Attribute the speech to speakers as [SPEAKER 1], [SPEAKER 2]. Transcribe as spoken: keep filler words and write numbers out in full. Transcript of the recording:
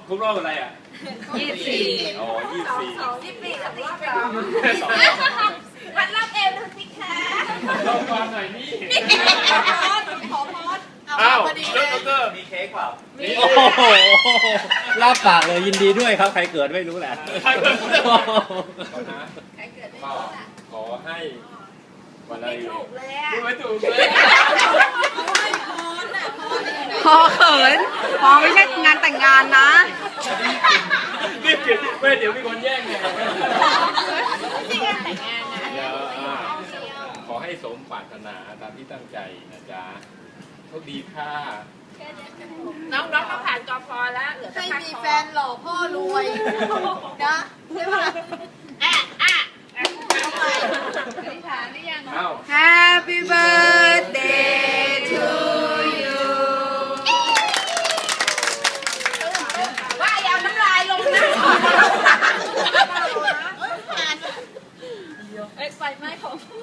[SPEAKER 1] ครบรอบอะไรอ่ะ
[SPEAKER 2] ยี่สิบสี่
[SPEAKER 1] อ๋อยี่สิบสี่
[SPEAKER 2] ยี่สิบสี่กับสี่สองพัดรับเอวดูสิคะ
[SPEAKER 1] ลองฟังหน่อยนี่
[SPEAKER 2] ขอพอด
[SPEAKER 1] อ้าวแล้วก็มีเค้กเปล่า
[SPEAKER 3] โอ้โหลาบปากเลยยินดีด้วยครับใครเกิดไม่รู้แหละ
[SPEAKER 1] ใครเกิดนะ
[SPEAKER 2] ใครเกิดไม่
[SPEAKER 1] ก็
[SPEAKER 2] รู้ล่ะ
[SPEAKER 1] ขอให้วันอะไร
[SPEAKER 2] ไม่ถูกเลยอ่ะ
[SPEAKER 1] พูดไม่ถูกเลย
[SPEAKER 4] พอเขินพอไม่ใช่งานแต่งงานนะ
[SPEAKER 1] รีบเก็บไม่เดี๋ยวมีคนแย่งไง
[SPEAKER 2] จริงแต่งงานนะ
[SPEAKER 1] เดี๋ยวอ่าขอให้สมปรารถนาตามที่ตั้งใจนะจ๊ะโชคดีค่ะ
[SPEAKER 2] น้องน้องต้องผ่านกพแล้วเหลือแต่
[SPEAKER 5] ให้
[SPEAKER 2] ภาค
[SPEAKER 5] มี
[SPEAKER 2] คอ
[SPEAKER 5] แฟนหล่อพ่อรวยนะใช่ไหม
[SPEAKER 2] อ่ะอ่ะอธิษฐานหรือยัง
[SPEAKER 1] เอ้า
[SPEAKER 4] Happy birthday to you
[SPEAKER 2] ว่าอย่าเอาน้ำลายลงนะเอ้ยไฟไหม้ของ